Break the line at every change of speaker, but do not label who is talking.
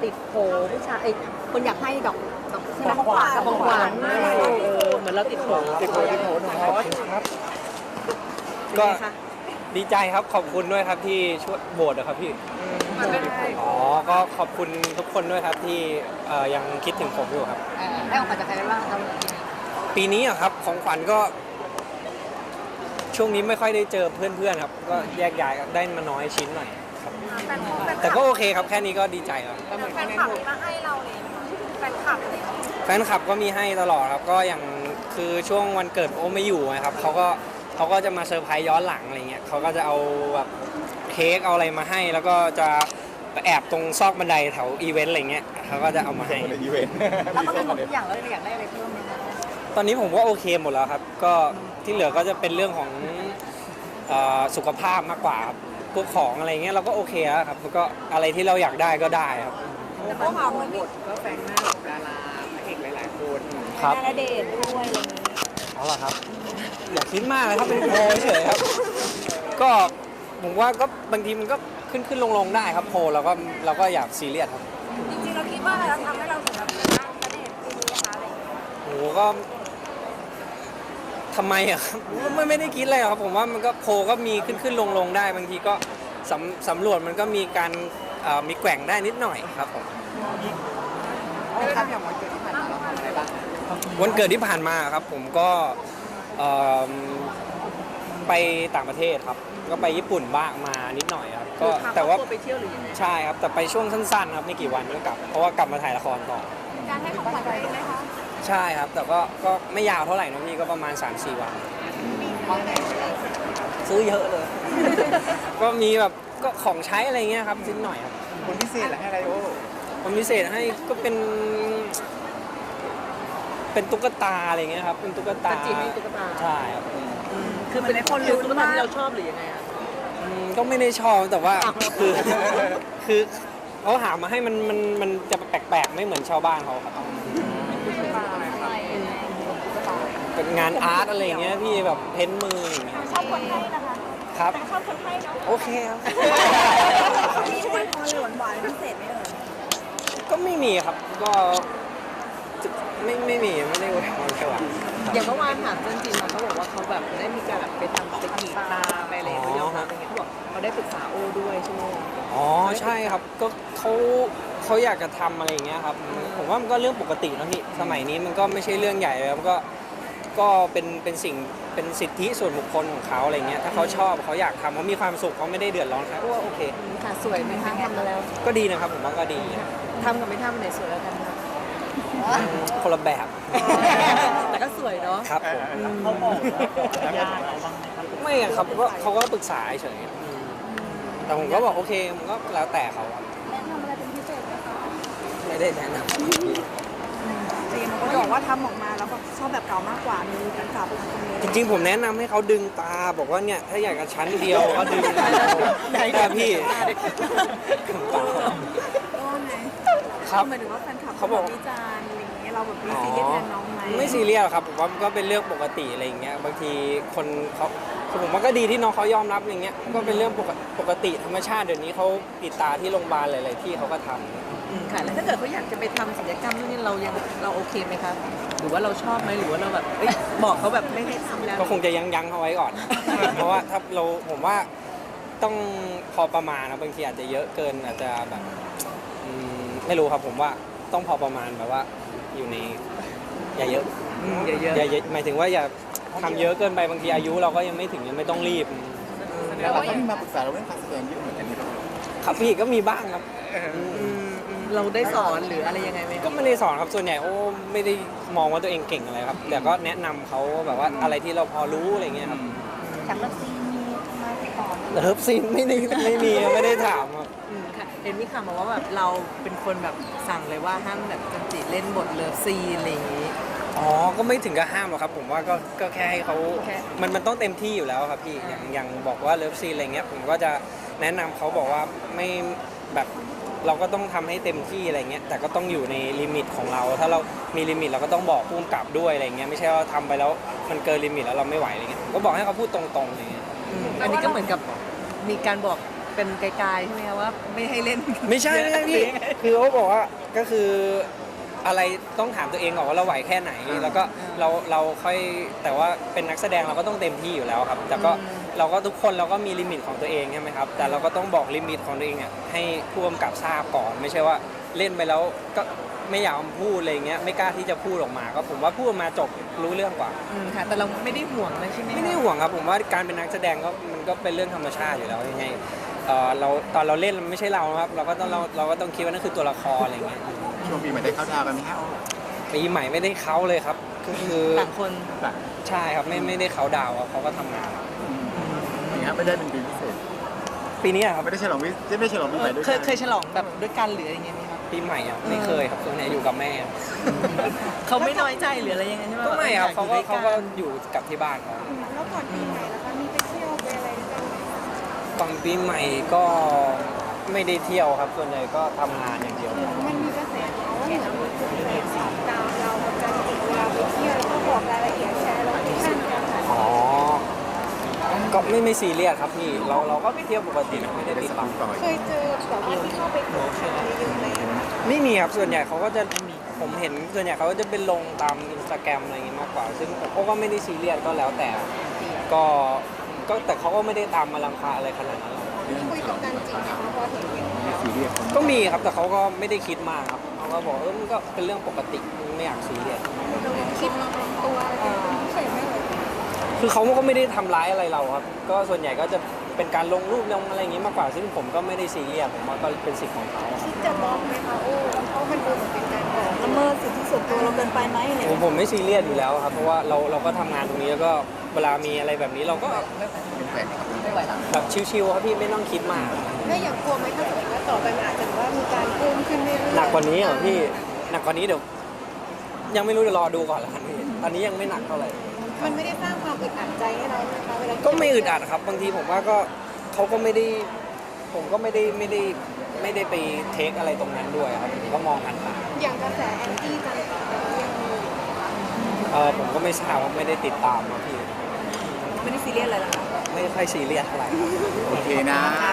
ติดโผผู้ชายคนอยากให้ดอกใช่ไหมของขวัญเหมือนเราติดโผ
หนุ่มฮอตครับก็ดีใจครับขอบคุณด้วยครับที่ช่วยโหวตนะครับพี่อ๋อก็ขอบคุณทุกคนด้วยครับที่ยังคิดถึงผมอยู่ครับ
ได้ของขวัญจากใครบ้างครับ
ปีนี้อะครับของขวัญก็ช่วงนี้ไม่ค่อยได้เจอเพื่อนๆครับก็แยกย้ายได้มาน้อยชิ้นหน่อยครับแต่ก็โอเคครับแค่นี้ก็ดีใจแล้ว
แฟนคลับมาให้เราเลยแฟนคลับเลย
แฟนคลับก็มีให้ตลอดครับก็อย่างคือช่วงวันเกิดโอ้ไม่อยู่นะครับเขาก็จะมาเซอร์ไพรส์ย้อนหลังอะไรเงี้ยเขาก็จะเอาแบบเค้กเอาอะไรมาให้แล้วก็จะแอบตรงซอกบันไดแถวอีเวนต์อะไรเงี้ยเขาก็จะเอามาให้
อีเวนต์แล้วก็มีหมดทุกอย่างแล้วอยากได้อะไรเพิ่มไหมคะ
ตอนนี้ผมว่าโอเคหมดแล้วครับก็ที่เหลือก็จะเป็นเรื่องของสุขภาพมากกว่าพวกของอะไรเงี้ยเราก็โอเคแล้วครับแล้วก็อะไรที่เราอยากได้ก็ได้ครับ
แต่พวกเราเหมือนบทก็แฝงหน้ากับดาราพระเอกหลายๆคน
ครับ
ณเดชน์ด้วยอะไรอย่างนี้
เอาล่ะครับอย่าคิดมากเลยครับเป็นโพลเฉยครับก็ผมว่าก็บางทีมันก็ขึ้นลงได้ครับโพลเราก็อยากซีเรียสครับ
จริงๆเราคิดว่าอะไรทำให้เราถึงแบบชนะณเดชน์ปีนี้นะคะอะไรอย่างเงี้ย
โหก็ทำไมอะครับไม่ได้คิดอะไรครับผมว่ามันก็โพลก็มีขึ้นลงได้บางทีก็สำรวจมันก็มีการมีแกว่งได้นิดหน่อยครับผม
อย่างวันเกิดที่ผ่านมาเราทำอะไรบ้าง
วันเกิดที่ผ่านมาครับผมก็ไปต่างประเทศครับก็ไปญี่ปุ่นบ้างมานิดหน่อยครับก็แต่ว่า
ไปเที่ยวหรือยังไง
ใช่ครับแต่ไปช่วงสั้นๆครับไม่กี่วันก็กลับเพราะว่ากลับมาถ่ายละครต่อ
การให้ของขวัญอะไรไหมคะ
ใช่ครับแต่ก็ไม่ยาวเท่าไหร่นะพี่ก็ประมาณ 3-4 วันซื้อเยอะเลย ก็มีแบบก็ของใช้อะไรเงี้ยครับนิดหน่อยครับ
คนพิเศษให้อะไรโอ้
คนพิเศษให้ก็เป็นตุ๊กตาอะไรเงี้ยครับเป็นตุ๊กตา
จีให้ตุ๊กตา
ใช่ครับ
คือเป็นคนหรือตุ๊กตาที่เราชอบหรือยังไงครับ
ก็ไม่ได้ชอบแต่ว่าคือเขาหามาให้มันจะแปลกๆไม่เหมือนชาวบ้านเขาครับเป็นงานอาร์ตอะไรเงี้ยพี่แบบเพ้นมืออย่างเงี้ย
ชอบคนให้นะคะ
ครับ
ชอบคนให้เนาะ
โอเคครับ
มีช่วยพอหรือหวานพิเศษไหม
ก็ไม่มีครับก็ไม่มีไม่ได้อวยพรแค่ว่า
อย่างเมื่อวานถามเพื่อนจีนมาเขาบอกว่าเขาแบบได้มีการแบบไปทำไปกรีดตาไปอะไรเขายอมรับอย่างเงี้ยเขาบอกเขาได้ปรึกษาโอ้ด้วยใช่ไหม
อ๋อใช่ครับก็เขาอยากจะทำอะไรอย่างเงี้ยครับผมว่ามันก็เรื่องปกตินะพี่สมัยนี้มันก็ไม่ใช่เรื่องใหญ่เลยก็เป็นสิ่งเป็นสิทธิส่วนบุคคลของเขาอะไรเงี้ยถ้าเขาชอบเขาอยากทำเขามีความสุขเขาไม่ได้เดือดร้อนครับก็โอเค
ค่ะสวยไหมคะทำมาแล้ว
ก็ดีนะครับผมว่าก็ดี
ทำกับไม่ทำไหนสวยแล้วกันคะ
คนละแบบ
แต่ก็สวยเนาะ
ครับผมไม่ครับเขาก็ปรึกษาเฉยแต่ผมก็บอกโอเคมันก็แล้วแต่เขา
แนะนำอะไรเป็นพิเศษไหมคะ
ไม่ได้แนะนำ
จีนเขาบอกว่าทำออกมาแล้วแบบชอบแบบเก่ามากกว่ามีการกลับ
จริงๆผมแนะนำให้เขาดึงตาบอกว่าเนี่ยถ้าอยากจะชั้นเดียวก็ดึงได้พี่ครับ
หมายถึงว่าแฟนคลับเขาบอกวิจารณ์อะไรอย่างเงี้ยเราแบบมีซีเรียสแทนน้องไหม
ไม่ซีเรียสครับผมว่าก็เป็นเรื่องปกติอะไรอย่างเงี้ยบางทีคนเขาผมว่าก็ดีที่น้องเขายอมรับอย่างเงี้ยก็เป็นเรื่องปกติธรรมชาติเดี๋ยวนี้เขาติดตาที่โรงพยาบาลหลายๆที่เขาก็ทำ
ค่ะแล้วถ้าเกิดเขาอยากจะไปทำศัลยกรรมนี่เราโอเคไหมครับหรือว่าเราชอบไหมหรือว่าเราแบบบอกเขาแบบไม่ให้ทำแล้ว
ก็คงจะยั้งเขาไว้ก่อน เพราะว่าถ้าผมว่าต้องพอประมาณนะบางทีอาจจะเยอะเกินอาจจะแบบไม่รู้ครับผมว่าต้องพอประมาณแบบว่าอยู่ในอย่าเยอะหมายถึงว่าอย่าทำเยอะเกินไปบางทีอายุเราก็ยังไม่ถึงยังไม่ต้องรีบ
แล้วเราก็มีมาปรึกษาเราเรื่องการแสดงเยอะเหมือนกัน
ครับพี่ก็มีบ้างครับ
เราได้สอนหรืออะไรยังไงไหม
ก็ไม่ได้สอนครับส่วนใหญ่โอ้ไม่ได้มองว่าตัวเองเก่งอะไรครับแต่ก็แนะนำเขาแบบว่าอะไรที่เราพอรู้อะไรเงี้ยครับ
จากเลิฟซีนมีมาสอน
เลิฟซีนไม่มีไม่ได้ถามครับ
ค่ะเห็นมีข่าวมาว่าแบบเราเป็นคนแบบสั่งเลยว่าห้ามแบบจันจิเล่นบทเลิฟซีนอะไรอย่างนี้
อ๋อก็ไม่ถึงกับห้ามหรอกครับผมว่าก็แค่ให้เขามันต้องเต็มที่อยู่แล้วครับพี่อย่างบอกว่าเลิฟซีนอะไรเงี้ยผมก็จะแนะนำเขาบอกว่าไม่แบบเราก็ต้องทำให้เต็มที่อะไรเงี้ยแต่ก็ต้องอยู่ในลิมิตของเราถ้าเรามีลิมิตเราก็ต้องบอกผู้กำกับด้วยอะไรเงี้ยไม่ใช่ว่าทำไปแล้วมันเกินลิมิตแล้วเราไม่ไหวอะไรเงี้ยก็บอกให้เขาพูดตรงๆอะไรเงี้ย
อันนี้ก็เหมือนกับมีการบอกเป็นไกลๆใช่ไหมคะว่าไม่ให้เล่น
ไม่ใช่ไม่ใช่พี่ คือเขาบอกว่าก็คืออะไรต้องถามตัวเองก่อนว่าเราไหวแค่ไหน แล้วก็เราค่อยแต่ว่าเป็นนักแสดงเราก็ต้องเต็มที่อยู่แล้วครับ แต่ก็เราก็ทุกคนเราก็มีลิมิตของตัวเองใช่ไหมครับ แต่เราก็ต้องบอกลิมิตของตัวเองอ่ะให้ผู้กำกับทราบก่อน ไม่ใช่ว่าเล่นไปแล้วก็ไม่อยากพูดอะไรเงี้ยไม่กล้าที่จะพูดออกมาก็ผมว่าพูดออกมาจบรู้เรื่องกว่า
ค่ะแต่เราไม่ได้ห่วงเลยใช่ไหม
ไม่ได้ห่วงครับผมว่าการเป็นนักแสดงก็มันก็เป็นเรื่องธรรมชาติอยู่แล้วยังไงเราตอนเราเล่นมันไม่ใช่เราครับเราก็ต้องคิดว่านั่นคือตัวละครอะไรเงี้ย
ช่วงปีใหม่ได้เข้าดาวน์กันไหมฮะโอ้
ปีใหม่ไม่ได้เขาเลยครับก็คือ
ต่างคน
แบบ
ใช่ครับไม่ได้เขาดาวน์ครับเขาก็ทำงาน
อย่างเงี้ยไม่ได้เป็นปีพิเศษ
ปีนี้ครับ
ไม่ได้ฉลองปีใหม่ด้วย
เค
กั
ยเคยฉลองแบบด้วยกันหรืออะไรอย่างเงี้ยไหมครับ
ปีใหม่อะไม่เคยครับส่วนใหญ่อยู่กับแม่ครับ
เขาไม่น้อยใจหรืออะไรยังไงใช่ไหม
ก็ไม่ครับ
ว่
เขา
อย
ก็
อยู่ด้วยน
อยู่กับที่บ้านเขา
แล้วก่อนปีใหม่แล้วก็มีไปเที่ยวไปอะไรด้วยกันไหม
ก่อนปีใหม่ก็ไม่ได้เที่ยวครับ ส่วนใหญ่ก็ทำงานอย่างเดียว
มันมีกระแสข่าวว่าเหมือนมีคนแอบติดตามเราเหมือนกันติดเวลาไปเที่ยวแล้วก็บอกรายละเอียดแชร์โลเคชั่นกันค่ะ
อ๋อก็ไม่ซีเรียสครับพี่เราก็ไปเที่ยวปกติไม่ได้
ได้
ติด
ส
ตาม
ปอย
เคยเจอแบบว่าที่เข้าไปขอข่าวเยอะๆไหม
ไม่มีครับส่วนใหญ่เขาก็จะผมเห็นส่วนใหญ่เขาก็จะเป็นลงตามอินสตาแกรมอะไรอย่างงี้มากกว่า ซึ่งผมก็ไม่ได้ซีเรียสก็แล้วแต่ก็แต่เขาก็ไม่ได้ตามมาลังควาอะไรขนาดนั้นหรอก
มีคุยกับกันจริงไหมคะพอเห็นอย่างนี้
ไม่ซีเรียส
ก็มีครับแต่เขาก็ไม่ได้คิดมากครับเขาก็บอกมันก็เป็นเรื่องปกติไม่อยากซีเรียส
คิดตัวอะไรเป็นพิเศษไหมเลย
คือเขาก็ไม่ได้ทำร้ายอะไรเราครับ ก็ส่วนใหญ่ก็จะเป็นการลงรูปลงอะไรอย่างงี้มากกว่า ซึ่งผมก็ไม่ได้ซีเรียสผมว่าก็เป็นสิทธิ์ของเขาครับ
คิดจะบล็อกไหมคะโอ้เพราะมันดูเหมือนเป็นการบอกละเมิดสิทธิส่วนตัวเราเกินไปไหมอะไรอย่างเงี้ย
ผมไม่ซีเรียสอยู่แล้วครับเพราะว่าเราก็ทำงานตรงนี้แล้วก็เวลามีอะไรแบบนี้เราก็
เป็นแฟนครับ
แบบชิวๆครับพี่ไม่ต้องคิดมาก
แล้วอย่างกลัวไหมถ้าสมมติว่าต่อไปมันอาจจะว่ามีการเพิ่มขึ้นเรื่อยๆ
หนักกว่านี้เหรอพี่หนักกว่านี้เดี๋ยวยังไม่รู้เดี๋ยวรอดูก่อนละกันพี่ตอนนี้ยังไม่หนักเท่าไหร่
มันไม่ได้สร้างความอึดอัดใจให้เรานะคะเวลา
ก็ไม่อึดอัดครับบางทีผมว่าก็เขาก็ไม่ได้ผมก็ไม่ได้ไปเทคอะไรตรงนั้นด้วยครับผมก็มองผ่าน
อย่างกระแสแอนตี้กันยังมีอยู่นะคะ
ๆผมก็ไม่ทราบว่าไม่ได้ติดตามนะพี่
ไม่ได้ซีเรียสอะไรหรอกคะ
ไม่ค่อยซีเรียสเท่าไหร่
โอเคนะ